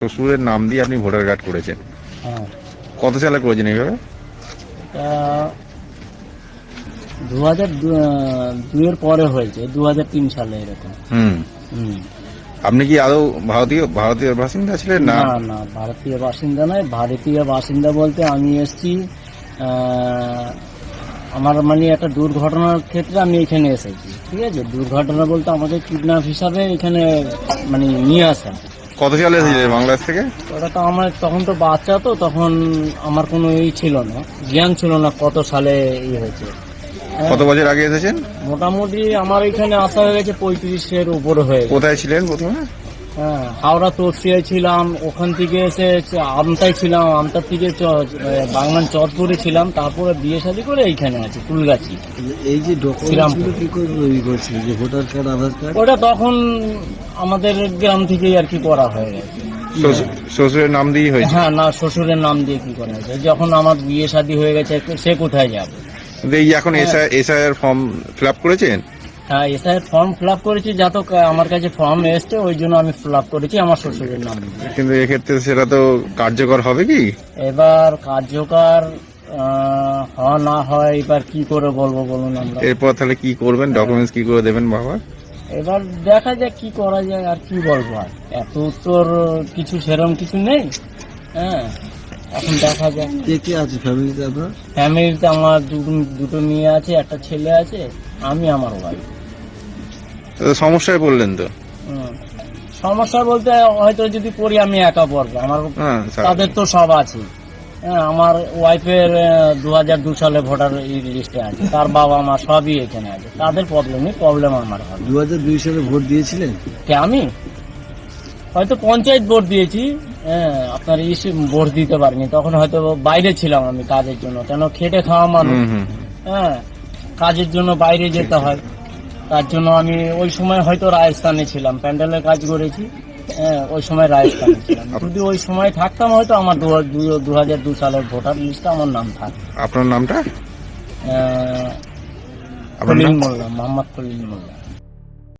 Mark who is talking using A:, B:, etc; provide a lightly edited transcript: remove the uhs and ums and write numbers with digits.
A: শ্বশুরের নাম দিয়ে আপনি ভোটার কার্ড করেছেন।
B: হ্যাঁ,
A: কত সালে করেছেন এইভাবে?
B: এটা 2002 পরে হয়েছে, 2003 সালে এরকম।
A: হুম।
B: হুম।
A: আপনি কি আদৌ ভারতীয় বাসিন্দা ছিলেন? না,
B: না না, ভারতীয় বাসিন্দা নয়। ভারতীয় বাসিন্দা বলতে আমি এসেছি আমার মানে একটা দুর্ঘটনার ক্ষেত্রে আমি এখানে এসেছি, ঠিক আছে। দুর্ঘটনা বলতে আমাকে কিডন্যাপ হিসাবে এখানে মানে নিয়ে আসা।
A: কত সালে এসেছিলেন বাংলাদেশ থেকে?
B: ওটা তো আমার তখন তো বাচ্চা, তো তখন আমার কোনো ছিল না, জ্ঞান ছিল না কত সালে হয়েছে।
A: কত বছর আগে এসেছেন?
B: মোটামুটি আমার এখানে আসা হয়ে গেছে 35-এর উপরে হয়ে গেছে।
A: কোথায় ছিলেন প্রথমে?
B: হ্যাঁ, হাওড়া তোরসিয়ায় ছিলাম, ওখান থেকে এসে আমতায় ছিলাম, আমতার থেকে বাংলার চরপুরে ছিলাম, তারপরে বিয়ে শাদী করে এইখানে আছি ফুলগাছি।
C: এই যে ডকুমেন্টস কি করে তৈরি করছিল, যে ভোটার কার্ড, আধার কার্ড?
B: ওটা তখন আমাদের গ্রাম থেকেই আর কি করা হয়ে গেছে।
A: শ্বশুরের নাম দিয়ে হয়েছে?
B: হ্যাঁ, না, শ্বশুরের নাম দিয়ে কি করা হয়েছে। যখন আমার বিয়ে শাদী হয়ে গেছে সে কোথায় যাবে।
A: এই যে এখন এসআইআর ফর্ম ফিল আপ করেছেন?
B: হ্যাঁ, এসআইয়ের ফর্ম ফিল আপ করেছি, যত আমার কাছে ফর্ম এসছে ওই জন্য আমি ফিল আপ করেছি আমার শ্বশুরের নাম দিয়ে।
A: কিন্তু এক্ষেত্রে সেটা তো কার্যকর হবে কি?
B: এবার কার্যকর না হয় এবার কি করে বলবো বলুন আমরা।
A: এরপর তাহলে কি করবেন? ডকুমেন্টস কি করে দেবেন বাবা?
B: এবার দেখা যাক কি করা যায়, আর কি বলবো। আর এত উত্তর কিছু সেরকম কিছু নেই। হ্যাঁ, এখন দেখা যাক।
C: কে কে আছে ফ্যামিলিতে আপনার?
B: ফ্যামিলিতে আমার দুটো মেয়ে আছে, একটা ছেলে আছে, আমি আমার ওয়াইফ।
A: সমস্যায় পড়লেন তো?
B: সমস্যা বলতে হয়তো যদি করি আমি একা পড়বো, আমার
A: হ্যাঁ,
B: তাদের তো সব আছে। হ্যাঁ, আমার ওয়াইফের 2002 সালে ভোটার লিস্টে আছে, তার বাবা মা সবই এখানে আছে, তাদের প্রবলেম আমার হবে।
C: 2002 সালে ভোট দিয়েছিলেন?
B: কে আমি হয়তো পঞ্চায়েত ভোট দিয়েছি। হ্যাঁ, আপনার ভোট দিতে পারিনি, তখন হয়তো বাইরে ছিলাম আমি কাজের জন্য, কেন খেটে খাওয়া মানুষ। হ্যাঁ, কাজের জন্য বাইরে যেতে হয়, তার জন্য আমি ওই সময় হয়তো রাজস্থানে ছিলাম, প্যান্ডেলের কাজ করেছি। হ্যাঁ, ওই সময় রাজস্থানে ছিলাম। যদি ওই সময় থাকতাম হয়তো আমার 2002 সালের ভোটার লিস্টে আমার নাম থাকতো।
A: আপনার নামটা?
B: খলিল মোল্লা, মোহাম্মদ খলিল মোল্লা।